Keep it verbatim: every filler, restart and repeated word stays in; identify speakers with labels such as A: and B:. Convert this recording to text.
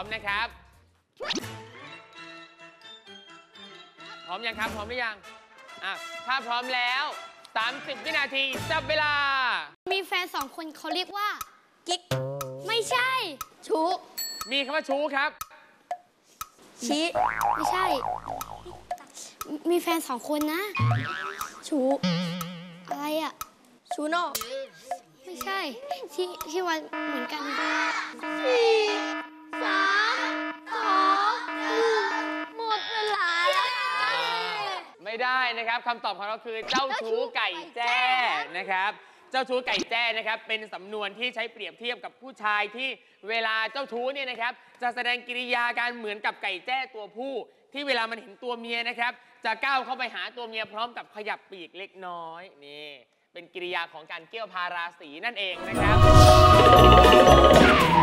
A: มนะครับพร้อมยังครับพร้อมหรือยังอ่ะถ้าพร้อมแล้วสามสิบวินาทีจับเวลา
B: มีแฟนสองคนเขาเรียกว่ากิ๊กไม่ใช่ชู้
A: มีคำว่าชู้ครับ
B: ชี้ไม่ใช่มีแฟนสองคนนะชู้อะไรอ่ะชู้นอกไม่ใช่ที่ที่วันเหมือนกันสี่สามสองหนึ่งหมดเวลาแล้ว
A: ไม่ได้นะครับคำตอบของเราคือเจ้าชู้ไก่แจ้นะครับเจ้าชู้ไก่แจ้นะครับเป็นสำนวนที่ใช้เปรียบเทียบกับผู้ชายที่เวลาเจ้าชู้เนี่ยนะครับจะแสดงกิริยาการเหมือนกับไก่แจ้ตัวผู้ที่เวลามันเห็นตัวเมียนะครับจะก้าวเข้าไปหาตัวเมียพร้อมกับขยับปีกเล็กน้อยนี่เป็นกิริยาของการเกี่ยวพาราสีนั่นเองนะครับ